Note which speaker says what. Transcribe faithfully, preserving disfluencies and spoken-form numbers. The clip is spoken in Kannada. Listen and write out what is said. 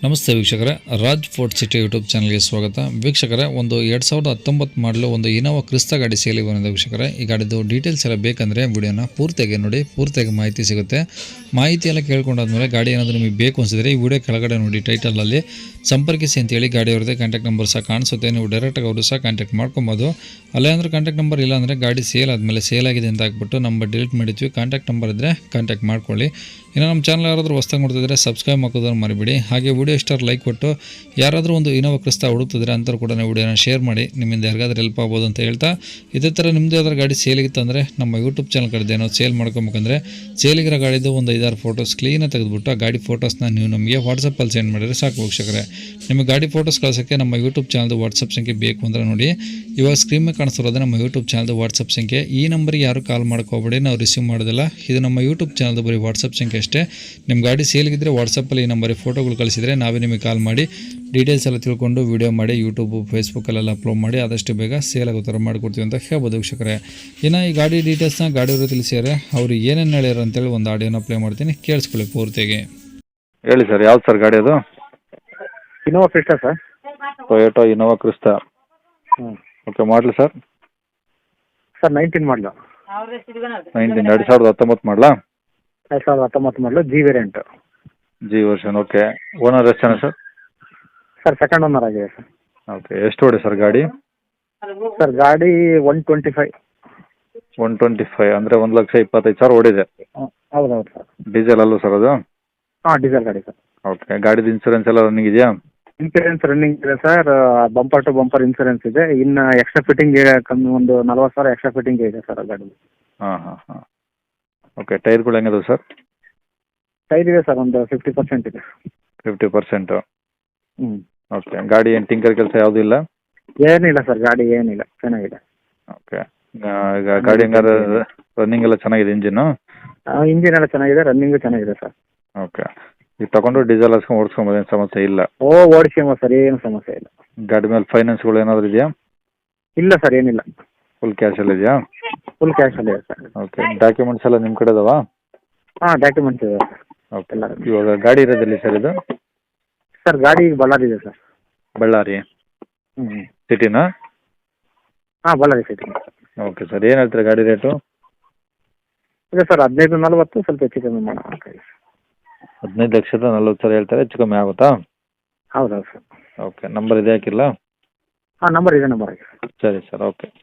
Speaker 1: ನಮಸ್ತೆ ವೀಕ್ಷಕರೇ, ರಾಜ್ ಫೋರ್ಟ್ ಸಿಟಿ ಯೂಟ್ಯೂಬ್ ಚಾನಲ್ಗೆ ಸ್ವಾಗತ. ವೀಕ್ಷಕರೇ, ಒಂದು ಎರಡು ಸಾವಿರದ ಹತ್ತೊಂಬತ್ತು ಮಾಡಲು ಒಂದು ಇನೋವಾ ಕ್ರಿಸ್ತಾ ಗಾಡಿ ಸೇಲಿಗೆ ಬಂದಿದೆ. ವೀಕ್ಷಕರೇ, ಈ ಗಾಡಿದು ಡೀಟೇಲ್ಸ್ ಎಲ್ಲ ಬೇಕಂದರೆ ವಿಡಿಯೋನ ಪೂರ್ತಿಯಾಗಿ ನೋಡಿ, ಪೂರ್ತಿಯಾಗಿ ಮಾಹಿತಿ ಸಿಗುತ್ತೆ. ಮಾಹಿತಿ ಎಲ್ಲ ಕೇಳ್ಕೊಂಡಾದ್ಮೇಲೆ ಗಾಡಿ ಏನಾದರೂ ನಿಮಗೆ ಬೇಕು ಅನಿಸಿದ್ರೆ ಈ ವಿಡಿಯೋ ಕೆಳಗಡೆ ನೋಡಿ ಟೈಟಲಲ್ಲಿ ಸಂಪರ್ಕಿಸಿ ಅಂತೇಳಿ ಗಾಡಿ ಅವ್ರದ್ದೇ ಕಾಂಟ್ಯಾಕ್ಟ್ ನಂಬರ್ ಸಹ ಕಾಣಿಸುತ್ತೆ. ನೀವು ಡೈರೆಕ್ಟಾಗಿ ಅವರು ಸಹ ಕಾಂಟ್ಯಾಕ್ಟ್ ಮಾಡ್ಕೊಬೋದು. ಅಲ್ಲೇ ಅಂದರೆ ಕಾಂಟ್ಯಾಕ್ಟ್ ನಂಬರ್ ಇಲ್ಲ ಅಂದರೆ ಗಾಡಿ ಸೇಲ್ ಆದಮೇಲೆ ಸೇಲ್ ಆಗಿದೆ ಅಂತ ಹಾಕ್ಬಿಟ್ಟು ನಂಬರ್ ಡಿಲೀಟ್ ಮಾಡಿದ್ವಿ. ಕಾಂಟ್ಯಾಕ್ಟ್ ನಂಬರ್ ಇದ್ದರೆ ಕಾಂಟ್ಯಾಕ್ಟ್ ಮಾಡ್ಕೊಳ್ಳಿ. ಇನ್ನು ನಮ್ಮ ಚಾನಲ್ ಯಾರಾದರೂ ಹೊಸ್ದಾಗಿ ನೋಡ್ತಿದ್ರೆ ಸಬ್ಸ್ಕ್ರೈಬ್ ಮಾಡೋದನ್ನು ಮರಿಬೇಡಿ. ಹಾಗೆ ವಿಡಿಯೋ ಇಷ್ಟಾರು ಲೈಕ್ ಕೊಟ್ಟು ಯಾರಾದರೂ ಒಂದು ಇನೋವಾ ಕ್ರಿಸ್ತಾ ಹುಡುಕ್ತಿದ್ರೆ ಅಂಥವ್ರು ಕೂಡ ವಿಡಿಯೋನ ಶೇರ್ ಮಾಡಿ, ನಿಮ್ಮಿಂದ ಯಾರಿಗಾದ್ರೂ ಹೆಲ್ಪ್ ಆಗ್ಬೋದು ಅಂತ ಹೇಳ್ತಾ, ಇದೇ ಥರ ನಿಮ್ಮದೇ ಯಾವ್ದಾರು ಗಾಡಿ ಸೇಲಿಗಿತ್ತು ಅಂದರೆ ನಮ್ಮ ಯೂಟ್ಯೂಬ್ ಚಾನಲ್ ಕಡೆದು ಏನೋ ಸೇಲ್ ಮಾಡ್ಕೊಬೇಕಂದ್ರೆ ಸೇಲಿಗಿರೋ ಗಾಡಿದು ಒಂದು ಐದಾರು ಫೋಟೋಸ್ ಕ್ಲೀನಾಗಿ ತೆಗೆದುಬಿಟ್ಟು ಆ ಗಾಡಿ ಫೋಟೋಸ್ನ ನೀವು ನಮಗೆ ವಾಟ್ಸಪ್ಪಲ್ಲಿ ಸೆಂಡ್ ಮಾಡಿದರೆ ಸಾಕು ವೀಕ್ಷಕರೇ. ನಿಮಗೆ ಗಾಡಿ ಫೋಟೋಸ್ ಕಳ್ಸೋಕ್ಕೆ ನಮ್ಮ ಯೂಟ್ಯೂಬ್ ಚಾನಲ್ದು ವಾಟ್ಸಪ್ ಸಂಖ್ಯೆ ಬೇಕು ಅಂದರೆ ನೋಡಿ, ಇವಾಗ ಸ್ಕ್ರೀನ್ ಮೇಲೆ ಕಾಣಿಸ್ತಿರೋದು ನಮ್ಮ ಯೂಟ್ಯೂಬ್ ಚಾನಲ್ದು ವಾಟ್ಸಪ್ ಸಂಖ್ಯೆ. ಈ ನಂಬರಿಗೆ ಯಾರು ಕಾಲ್ ಮಾಡ್ಕೋಬೇಡಿ, ನಾವು ರಿಸೀವ್ ಮಾಡೋದಿಲ್ಲ. ಇದು ನಮ್ಮ ಯೂಟ್ಯೂಬ್ ಚಾನಲ್ದು ಬರೀ ವಾಟ್ಸಪ್ ಸಂಖ್ಯೆ ಅಷ್ಟೇ. ನಿಮ್ಮ ಗಾಡಿ ಸೇಲ್ಗಿದ್ರೆ ವಾಟ್ಸಪ್ಪಲ್ಲಿ ಈ ನಂಬರಿಗೆ ಫೋಟೋಗಳು ಕಳಿಸಿದರೆ ನಾವೇ ನಿಮಗೆ ಕಾಲ್ ಮಾಡಿ ಡೀಟೇಲ್ಸ್ ಎಲ್ಲ ತಿಳ್ಕೊಂಡು ವೀಡಿಯೋ ಮಾಡಿ ಯೂಟ್ಯೂಬು ಫೇಸ್ಬುಕ್ಕಲ್ಲೆಲ್ಲ ಅಪ್ಲೋಡ್ ಮಾಡಿ ಆದಷ್ಟು ಬೇಗ ಸೇಲ್ ಆಗೋ ಥರ ಮಾಡಿಕೊಡ್ತೀವಿ ಅಂತ ಹೇಳ್ಬೋದು ವೀಕ್ಷಕರೇ. ಇನ್ನು ಈ ಗಾಡಿ ಡೀಟೇಲ್ಸ್ನ ಗಾಡಿಯವರು ತಿಳಿಸಿದರೆ ಅವರು ಏನೇನು ಹೇಳ್ಯಾರ ಅಂತೇಳಿ ಒಂದು ಆಡಿಯೋನ ಪ್ಲೇ ಮಾಡ್ತೀನಿ, ಕೇಳಿಸ್ಕೊಳ್ಳಿ ಪೂರ್ತಿಯಾಗಿ.
Speaker 2: ಹೇಳಿ ಸರ್, ಯಾವ್ದು ಸರ್ ಗಾಡಿ ಅದು?
Speaker 3: Innova Crysta sir.
Speaker 2: Toyota Innova Crysta.
Speaker 3: ಹ್ಞೂ
Speaker 2: ಓಕೆ, ಮಾಡಲಿ ಸರ್?
Speaker 3: ಸರ್ ನೈನ್ಟೀನ್ ಮಾಡಲು.
Speaker 2: ನೈನ್ಟೀನ್ ಎರಡು ಸಾವಿರದ ಹತ್ತೊಂಬತ್ತು ಮಾಡಲಾ?
Speaker 3: ಎರಡು ಸಾವಿರದ ಹತ್ತೊಂಬತ್ತು ಮಾಡಲು, G variant.
Speaker 2: G version. Okay, owner ಎಷ್ಟು ಜನ ಸರ್?
Speaker 3: ಸರ್ ಸೆಕೆಂಡ್ ಓನರ್ ಆಗಿದೆ ಸರ್.
Speaker 2: ಓಕೆ, ಎಷ್ಟು ಓಡಿ ಸರ್ ಗಾಡಿ?
Speaker 3: ಸರ್ ಗಾಡಿ one twenty five.
Speaker 2: One twenty five ಅಂದರೆ ಒಂದು ಲಕ್ಷ ಇಪ್ಪತ್ತೈದು ಸಾವಿರ ಓಡಿದೆ.
Speaker 3: ಹೌದು ಹೌದು ಸರ್.
Speaker 2: ಡೀಸೆಲ್ ಅಲ್ಲೂ ಸರ್ ಅದು?
Speaker 3: ಹಾಂ, ಡೀಸೆಲ್ ಗಾಡಿ ಸರ್.
Speaker 2: ಓಕೆ, ಗಾಡಿದು ಇನ್ಸೂರೆನ್ಸ್ ಎಲ್ಲ ರನ್ನಿಂಗ್ ಇದೆಯಾ?
Speaker 3: ಇನ್ಸೂರೆನ್ಸ್ ರನ್ನಿಂಗ್ ಇದೆ sir. Bumper to bumper insurance ಇದೆ. ಇನ್ನು ಎಕ್ಸ್ಟ್ರಾ ಫಿಟ್ಟಿಂಗ್ ಕಮ್ಮಿ ಒಂದು ನಲ್ವತ್ತು ಸಾವಿರ ಎಕ್ಸ್ಟ್ರಾ ಫಿಟ್ಟಿಂಗ್ ಇದೆ ಸರ್ ಗಾಡಿ.
Speaker 2: ಹಾಂ ಹಾಂ ಹಾಂ. ಓಕೆ, ಟೈರ್ಗಳು ಹೆಂಗದು ಸರ್?
Speaker 3: ಟೈರ್ ಇದೆ ಸರ್, ಒಂದು ಫಿಫ್ಟಿ ಪರ್ಸೆಂಟ್ ಇದೆ.
Speaker 2: Fifty percent.
Speaker 3: ಹ್ಞೂ.
Speaker 2: ಓಕೆ, ಗಾಡಿ ಏನು ಟಿಂಕರ್ ಕೆಲಸ ಯಾವುದೂ ಇಲ್ಲ?
Speaker 3: ಏನಿಲ್ಲ ಸರ್, ಗಾಡಿ ಏನಿಲ್ಲ, ಚೆನ್ನಾಗಿದೆ.
Speaker 2: ಓಕೆ, ಈಗ ಗಾಡಿ ಹೆಂಗಾದ್ರೆ ರನ್ನಿಂಗ್ ಎಲ್ಲ ಚೆನ್ನಾಗಿದೆ ಇಂಜಿನ್ನು?
Speaker 3: ಇಂಜಿನ್ ಎಲ್ಲ ಚೆನ್ನಾಗಿದೆ, ರನ್ನಿಂಗು ಚೆನ್ನಾಗಿದೆ ಸರ್.
Speaker 2: ಓಕೆ, ಈಗ ತಗೊಂಡು ಡೀಸೆಲ್ ಹಾಕ್ಸ್ಕೊಂಡು ಓಡಿಸ್ಕೊಂಬೋದು, ಏನು ಸಮಸ್ಯೆ ಇಲ್ಲ?
Speaker 3: ಓ ಓಡಿಸ್ಕೊಂಬ ಸರ್, ಏನು ಸಮಸ್ಯೆ ಇಲ್ಲ.
Speaker 2: ಗಾಡಿ ಮೇಲೆ ಫೈನಾನ್ಸ್ಗಳು ಏನಾದರೂ ಇದೆಯಾ?
Speaker 3: ಇಲ್ಲ ಸರ್, ಏನಿಲ್ಲ.
Speaker 2: ಫುಲ್ ಕ್ಯಾಶಲ್ಲಿ ಇದೆಯಾ?
Speaker 3: ಫುಲ್ ಕ್ಯಾಶಲ್ಲಿ ಇದೆ ಸರ್.
Speaker 2: ಓಕೆ, ಡಾಕ್ಯುಮೆಂಟ್ಸ್ ಎಲ್ಲ ನಿಮ್ಮ ಕಡೆ ಇದಾವಾ?
Speaker 3: ಹಾಂ, ಡಾಕ್ಯುಮೆಂಟ್ಸ್ ಇದೆ ಸರ್.
Speaker 2: ಓಕೆ, ಇವಾಗ ಗಾಡಿ ಇರೋದಿಲ್ಲ ಸರ್ ಇದು?
Speaker 3: ಸರ್ ಗಾಡಿ ಬಳ್ಳಾರಿ ಇದೆ ಸರ್.
Speaker 2: ಬಳ್ಳಾರಿ
Speaker 3: ಹ್ಞೂ.
Speaker 2: ಸಿಟಿನಾ?
Speaker 3: ಹಾಂ, ಬಳ್ಳಾರಿ ಸಿಟಿ.
Speaker 2: ಓಕೆ ಸರ್, ಏನು ಹೇಳ್ತೀರಾ ಗಾಡಿ ರೇಟು?
Speaker 3: ಇದೆ ಸರ್, ಹದಿನೈದು ನಲ್ವತ್ತು, ಸ್ವಲ್ಪ ಹೆಚ್ಚು ಕಮ್ಮಿ ಮಾಡೋಣ.
Speaker 2: ಹದಿನೈದು ಲಕ್ಷದ ನಲ್ವತ್ತು ಸಾವಿರ ಹೇಳ್ತಾರೆ, ಹೆಚ್ಚು ಕಮ್ಮಿ ಆಗುತ್ತಾ?
Speaker 3: ಹೌದೌದು ಸರ್.
Speaker 2: ಓಕೆ, ನಂಬರ್ ಇದೆ ಹಾಕಿಲ್ಲ?
Speaker 3: ಹಾಂ, ನಂಬರ್ ಇದೆ, ನಂಬರ್ ಆಗಿದೆ.
Speaker 2: ಸರಿ ಸರ್, ಓಕೆ.